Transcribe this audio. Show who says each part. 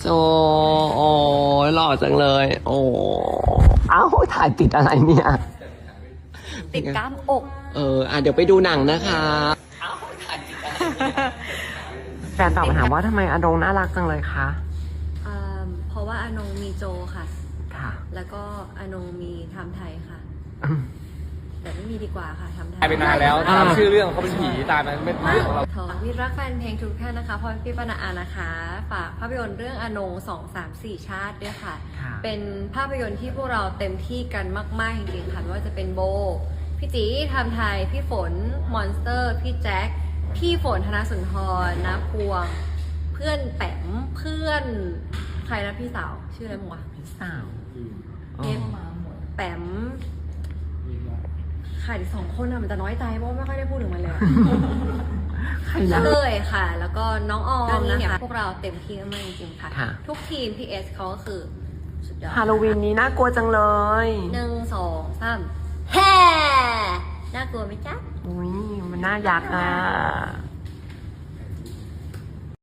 Speaker 1: โจโอ้ยหล่อจังเลย โอ้เอ้าถ่ายติดอะไรเนี่ย
Speaker 2: ติดกล้ามอก
Speaker 1: เดี๋ยวไปดูหนังนะคะแฟนตอบมาถามว่าทำไมอดงน่ารักจังเลยคะ
Speaker 2: เพราะว่าอนงมีโจค่ะ
Speaker 1: ค่ะ
Speaker 2: แล้วก็อนงมีทำไทยค่ะ แต่ไม่มีดีกว่าค่ะทำไทย
Speaker 3: ตายไปนานแล้วตามชื่อเรื่องเขาเป็นผีตายไปไม่เรื่องของเรา
Speaker 2: มิตรรักแฟนเพลงทุกท่านนะคะพรพี่ปนาอานะคะ ฝากภาพยนตร์เรื่องอนง2 3 4 ชาติด้วยค่ะ
Speaker 1: ค่ะ
Speaker 2: เป็นภาพยนตร์ที่พวกเราเต็มที่กันมากๆจริงๆค่ะไม่ว่าจะเป็นโบ พี่จีทำไทย พี่ฝน มอนสเตอร์ พี่แจ็ค พี่ฝนธนสุนทรนะพวง เพื่อนแปมเพื่อนใครนะพี่สาวชื่ออะไรมั้งวะ
Speaker 1: พี่สาว
Speaker 2: เอฟแปมใครสองคนอะมันจะน้อยใจเพราะว่าไม่ค่อยได้พูดถึงมันเลย
Speaker 1: ใครนะ
Speaker 2: เลยค่ะ แล้วก็น้องออมนะคะพวกเราเต็มที่มากจริงๆค่ะ
Speaker 1: ค่ะ
Speaker 2: ทุกทีม PS เขาก็คือสุดยอด
Speaker 1: ฮาโลวีนนี้น่ากลัวจังเลย
Speaker 2: 1 2 3แฮ่น่ากลัวไหมจ๊ะ
Speaker 1: อุ้ยมันน่ายักษ์อ่ะ